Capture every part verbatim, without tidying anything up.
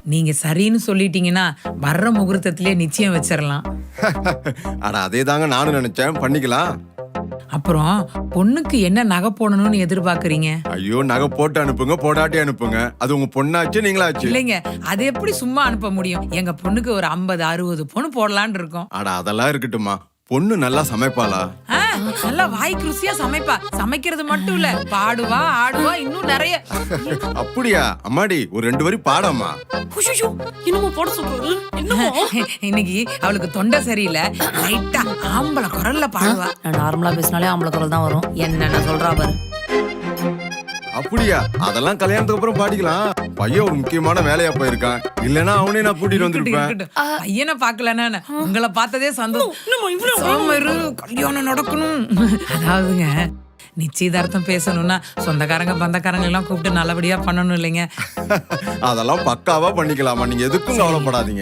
நீங்க சரின்னு சொல்லிட்டீங்கன்னா வர்ற முகூர்த்தத்திலே நிச்சயம் வச்சிடலாம். அட அதே தாங்க நானும் நினைச்சேன், பண்ணிக்கலாம். அப்புறம் பொண்ணுக்கு என்ன நகை போடணும்னு எதிர்பார்க்கறீங்க? ஐயோ, நகை போட்டு அனுப்புங்க, போடாட்டி அனுப்புங்க. அது உங்க பொண்ணாச்சு, நீங்களாச்சு. இல்லைங்க, அது எப்படி சும்மா அனுப்ப முடியும்? எங்க பொண்ணுக்கு ஒரு ஐம்பது அறுபது பொண்ணு போடலான்னு இருக்கோம். அட அதெல்லாம் இருக்கட்டுமா, பொண்ணு நல்லா சமைப்பாளா? ஆ, நல்லா வாய்க்கு ருசியா சமைப்பா. சமைக்கிறது மட்டும் இல்ல, பாடுவா, ஆடுவா, இன்னும் நிறைய. அப்படியா? அம்மாடி ஒரு ரெண்டு வரி பாடம்மா. இன்னும் போட சொல்றாரு. இன்னைக்கு அவளுக்கு தொண்டை சரியில்லை, லைட்டா ஆம்பளை குரல்ல பாடுவா. நான் நார்மலா பேசினாலே ஆம்பளை குரல் தான் வரும். என்னென்ன சொல்றா பாரு. அப்படியா? அதெல்லாம் கல்யாணத்துக்கு அப்புறம் பாடிக்கலாம். பையன் ஒரு முக்கியமான வேலையா போயிருக்கான், இல்லன்னா அவனே நான் கூட்டிட்டு வந்திருப்பேன். பையனை பாக்கலன்னா உங்களை பார்த்ததே சந்தோஷம். கல்யாணம் நடக்கணும். அதாவதுங்க, நிச்சயதார்த்தம் பேசணும்னா சொந்தக்காரங்க பந்தக்காரங்க எல்லாம் கூப்பிட்டு நல்லபடியா பண்ணணும் இல்லைங்க? அதெல்லாம் பக்காவா பண்ணிக்கலாமா, நீங்க எதுக்கும் கவலைப்படாதீங்க.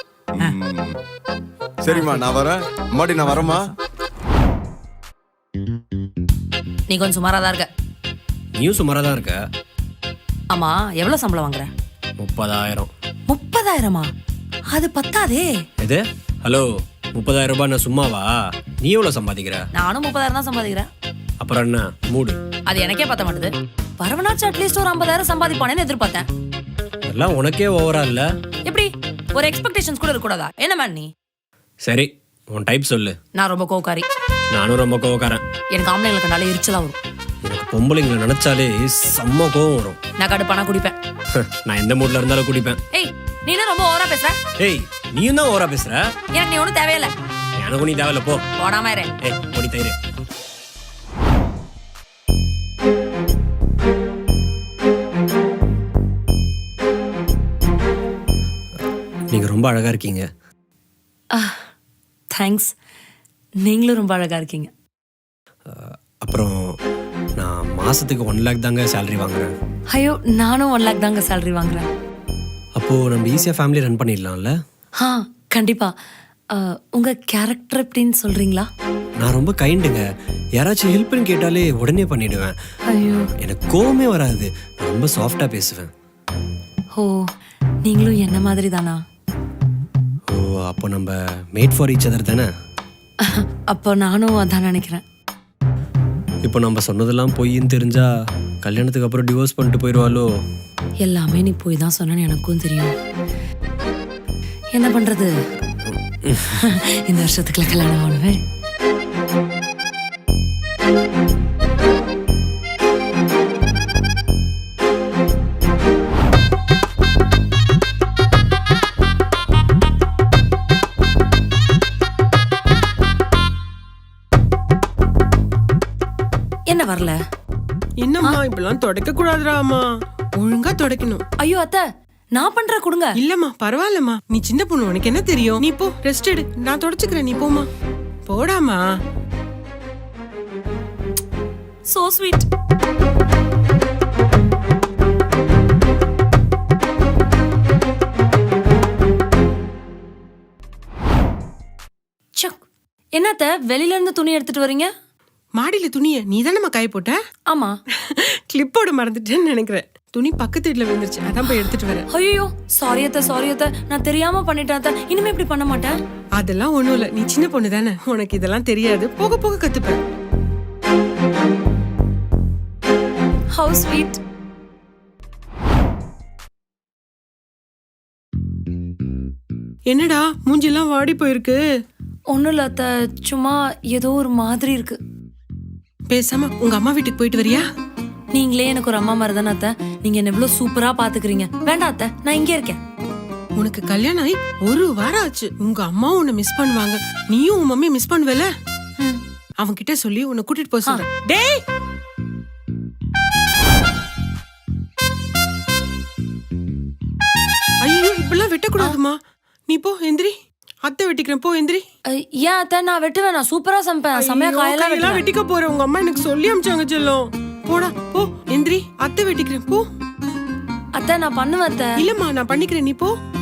சரிம்மா, நான் வரேன். அம்மாடி நான் வரேம்மா. நீ கொஞ்சம் சுமாரா தான் இருக்க. நீயும் சுமாரா தான் இருக்க. ஆமா, எவ்வளவு சம்பளம் வாங்குற? முப்பதாயிரம். முப்பதாயிரமா? அது பத்தாதே. எது? ஹலோ, முப்பதாயிரம் ரூபாய் நான் சும்மாவா? நீ எவ்வளவு சம்பாதிக்கிற? நானும் முப்பதாயிரம் தான் சம்பாதிக்கிறேன். அப்புறம் என்ன மூடு? அது எனக்கே பத்த மாட்டுது. வரவனாச்சு அட்லீஸ்ட் ஒரு ஐம்பதாயிரம் சம்பாதிப்பானேன்னு எதிர்பார்த்தேன். எல்லாம் உனக்கே ஓவரா இல்ல? எப்படி ஒரு எக்ஸ்பெக்டேஷன்ஸ் கூட இருக்கக்கூடாதா? என்ன மேன் நீ? சரி, உன் டைப் சொல்லு. நான் ரொம்ப கோவக்காரி. நானும் ரொம்ப கோவக்காரன். எனக்கு ஆம்பளைங்களுக்கு நல்ல எரிச்சலா வரும். எனக்கு பொம்பளைங்களை நினைச்சாலே செம்ம கோவம் வரும். நான் கடுப்பானா குடிப்பேன். நான் எந்த மூட்ல இருந்தாலும் குடிப்பேன். ஏய், நீ என்ன ரொம்ப ஓவரா பேசுற? ஏய், நீயும் தான் ஓவரா பேசுற. எனக்கு நீ ஒன்றும் தேவையில்லை. எனக்கு நீ தேவையில்ல, போ. போடாம இரு. ஏய், பொடி தயிரு. நீங்க ரொம்ப அழகா இருக்கீங்க. தேங்க்ஸ். நீங்களும் ரொம்ப அழகா இருக்கீங்க. அப்புறம் நான் மாசத்துக்கு ஒன் லேக் தாங்க சேலரி வாங்குறேன். ஐயோ, நானும் ஒன் லேக் தாங்க சேலரி வாங்குறேன். அப்போ நம்ம ஈஸியா ஃபேமிலி ரன் பண்ணிடலாம்ல? ஆ, கண்டிப்பா. உங்க கேரக்டர் எப்படின்னு சொல்றீங்களா? நான் ரொம்ப கைண்டுங்க. யாராச்சும் ஹெல்ப்னு கேட்டாலே உடனே பண்ணிடுவேன். ஐயோ, எனக்கு கோவமே வராது. நான் ரொம்ப சாஃப்டா பேசுவேன். ஓ, நீங்களும் என்ன மாதிரி தானா? ஓ, அப்போ நம்ம மேட் ஃபார் ஈச் அதர் தானே? அப்போ நானும் அதான் நினைக்கிறேன். இப்போ நம்ம சொன்னதெல்லாம் பொய்ன்னு தெரிஞ்சா கல்யாணத்துக்கு அப்புறம் டிவோர்ஸ் பண்ணிட்டு போயிடுவாளோ? எல்லாமே நீ போய் தான் சொன்னு எனக்கும் தெரியும். என்ன பண்றது? இந்த வருஷத்துக்குள்ள கல்யாணம் ஆகணுமே. என்ன வரல? என்னம்மா இப்பெல்லாம் தொடக்க கூடாதுடாமா, ஒழுங்கா தொடக்கணும். ஐயோ அத்தை, நான் பண்ற கொடுங்க. இல்லம்மா பரவாயில்லம்மா, நீ சின்ன பொண்ணு, உனக்கு என்ன தெரியும்? நீ போ, ரெஸ்ட் எடு, நான் தொடச்சுக்கிறேன், நீ போமா. போடாமா. So sweet. என்னத்த வெளியில இருந்து துணி எடுத்துட்டு வரீங்க? மாடியில துணிய நீ தானம்மா காய போட்ட? ஆமா. கிளிப்போட மறந்துட்டேன்னு நினைக்கிறேன். துணி பக்கத்து வீட்டுல விழுந்துருச்சு, அதான் போய் எடுத்துட்டு வரேன். ஐயோ, சாரி அத்தை, சாரி அத்தை, நான் தெரியாம பண்ணிட்டேன் அத்தை. இனிமே இப்படி பண்ண மாட்டேன். அதெல்லாம் ஒண்ணும் இல்ல, நீ சின்ன பொண்ணு தானே, உனக்கு இதெல்லாம் தெரியாது, போக போக கத்துப்ப. Have sweet. என்னடா மூஞ்சிலாம் வாடி போயிருக்கு? ஒண்ணும் இல்ல அத்தை, சும்மா ஏதோ ஒரு மாதிரி இருக்கு. பேசாம உங்க அம்மா வீட்டுக்கு போயிட்டு வரியா? நீங்களே எனக்கு ஒரு அம்மா மாதிரி தானே அத்தை. நீங்க என்ன எவ்வளவு சூப்பரா பாத்துக்கிறீங்க. வேண்டாம் அத்தை, நான் இங்கே இருக்கேன். உனக்கு கல்யாணம் ஆகி ஒரு வாரம் ஆச்சு, உங்க அம்மாவும் உன்னை மிஸ் பண்ணுவாங்க, நீயும் உன் மம்மியை மிஸ் பண்ணுவல. அவங்க கிட்ட சொல்லி உன்னை கூட்டிட்டு போக சொல்றேன். டேய், ஐயோ இப்பெல்லாம் வெட்டக்கூடாதுமா. நீ போ, எந்திரி. அத்தை வெட்டிக்கிறேன், போ எந்திரி. ஏன் அத்தை, நான் வெட்டுவேன், நான் சூப்பரா சமைப்பேன். சமையா காயெல்லாம் வெட்டிக்க போறேன், உங்க அம்மா எனக்கு சொல்லி அமிச்சாங்க செல்லம். போடா போ, எந்திரி, அத்தை வெட்டிக்கிறேன், போ. அத்தை நான் பண்ணுவேன் அத்தை. இல்லம்மா நான் பண்ணிக்கிறேன், நீ போ.